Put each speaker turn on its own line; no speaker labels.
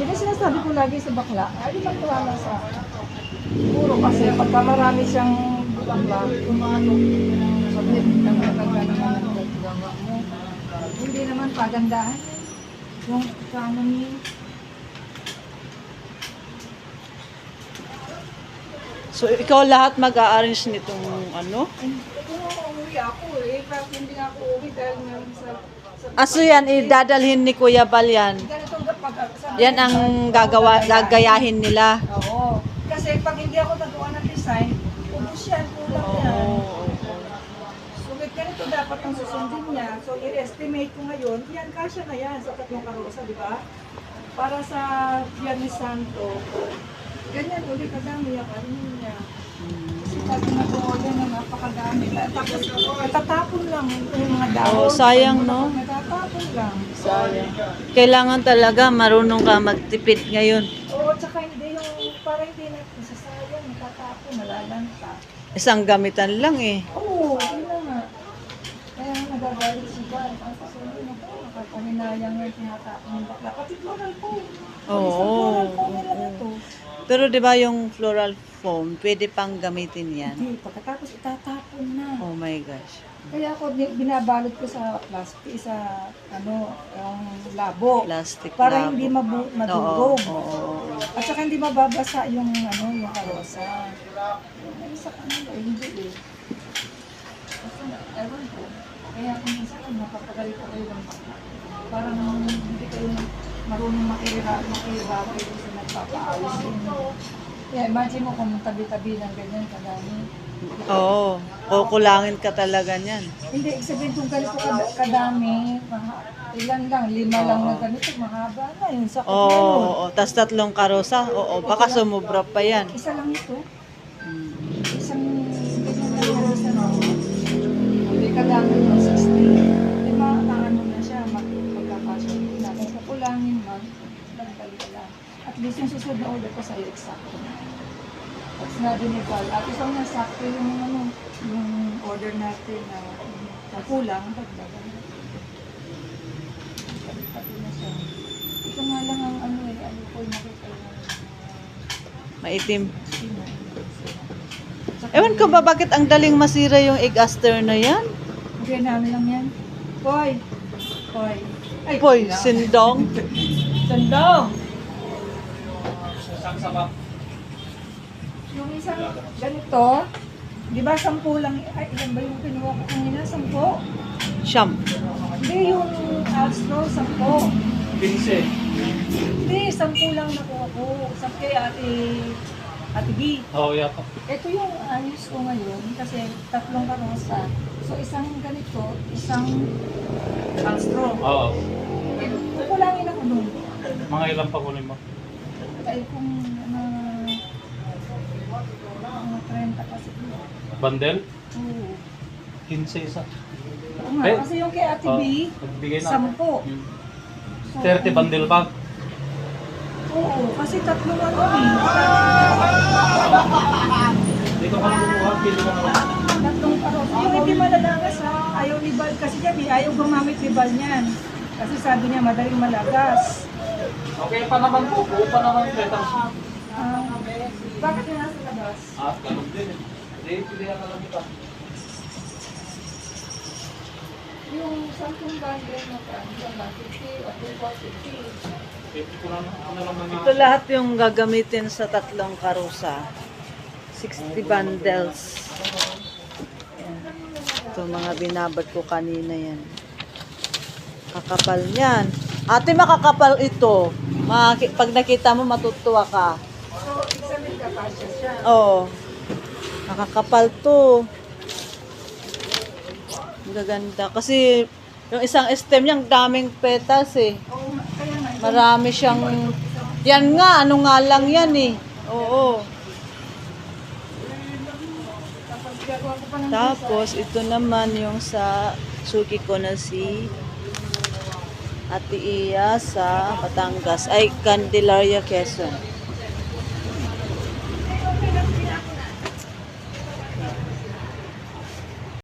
Kaya sinasabi ko lagi sa bakla, ay di magtiwala sa akin. Siguro kasi pagka marami siyang bakla, sabi ng maganda naman ang gagawa mo. Hindi naman pagandahan. Yung economy.
So, ikaw lahat mag-a-arrange nitong ano?
Kung uuwi ako bakit hindi nga ako uuwi dahil meron sa
Aso yan, idadalhin ni Kuya Bal yan.
ganitong
Yan ang gagayahin nila.
Oo. Kasi pag hindi ako nagawa ng design, ubus yan, kulang yan. So, with ganito dapat ang susundin niya. So, i-estimate ko ngayon, yan, kasya na yan sa tatlong karosa, di ba? Para sa Viernes Santo, ganyan ulit kadami yung ano niya. Kasi pag nag-order na napakadami. Tapos, natatapon lang yung mga dahon.
Oh, sayang, no?
Natatapon lang.
Sayang. Kailangan talaga marunong ka magtipid ngayon.
Oo, tsaka hindi yung, para hindi na nasasayang, natatapon, nalalanta.
Isang gamitan lang eh.
Oo, yun na nga. Kaya nagagalit si Val. Ang kasunod na po, nakapaminayang yung tinatapon ng bakla. Pati floral po.
Oo.
Floral po nila na to.
Pero 'di ba yung floral foam, pwede pang gamitin 'yan.
Hindi, pagkatapos itatapon na.
Oh my gosh.
Kaya ako binabalot ko sa plastic, sa ano, yung labo.
Plastic
Para
labo.
hindi
Oo.
madurog.
Oo.
At saka hindi mababasa yung ano, yung karosa. Ay, sa kanila, hindi eh. Kasi, ewan ko. Kaya kung minsan, napapagalit ko kayo ng bakla. Parang hindi kayo marunong makirabay kasi nagpapaayos inyo. Kaya imagine mo kung tabi-tabi ng ganyan kadami.
Oo. Kukulangin ka talaga niyan.
Hindi, sabihin kung ganito kadami, ilan lang, 5 lang na ganito, mahaba na yun. Sakit
Oo.
na yun.
Oo. Tas 3 karosa. Oo. Baka sumubra pa yan.
Isa lang ito. Isang ganyan lang yung isa na. Hindi kadami yung 60. Di ano na siya, magkakasya na. Kung kukulangin man, nagdali lang. At least yung susunod na order ko sa'yo, exacto na. At sinabi ni Val, at isang nasakto yung, ano, yung order natin na kulang, dagdagan. Pati na siya. Ito nga lang ang ano ko yung makita yung
Maitim.
sino.
Ewan ko ba bakit ang daling masira yung egg aster na yan?
Okay, namin lang yan. Poy! Poy! Ay,
Poy, sindong.
Sandong! Yung isang ganito, di ba 10 lang, ay ilan ba yung kinuha ko kanina? 10?
Siyam.
Hindi, yung Astro, 10.
15.
Hindi, 10 lang nakuha ko. Sa kay Ate B.
Oo, yata.
Ito yung ayos ko ngayon kasi 3 karosa. So isang ganito, isang Astro.
Oo.
Kukulangin ako nun.
Mga ilang pa kunin mo?
Ay kung mga 30 kasi.
Bandel?
Oo.
15 isa.
Oo nga,
Eh,
kasi yung kay Ate B,
nagbigay na.
10.
Hmm.
So,
30 bandel bag.
Oo, kasi 3 ano eh.
Dito ka lang kumuha, kilo ka naman.
3 karos. Yung hindi malalagas ha, ayaw ni Bal kasi dyan eh, ayaw gumamit ni Bal niyan. Kasi sabi niya madaling malagas.
Okay pa naman po, buo pa naman yung petals.
Ah, bakit yung nasa labas?
Ah, ganun din eh. Hindi, pilihan na lang kita.
Yung 10 bundle na yan ba? 50 o 50.
50 ko na lang mga...
Ito lahat yung gagamitin sa 3 karosa. 60 bundles. Yan. Ito mga binabad ko kanina yan. Kakapal yan. Ate, makakapal ito. Pag nakita mo, matutuwa ka.
So, examine ka pa siya.
Oo. Nakakapal to. Ang gaganda. Kasi yung isang stem niya, ang daming petals eh.
Oo, kaya nga.
Marami siyang... Yan nga, ano nga lang yan eh. Oo.
Kapag gagawa ko pa ng
Tapos, ito naman yung sa suki ko na si Ate Iya sa Batangas. Ay, Candelaria, Quezon.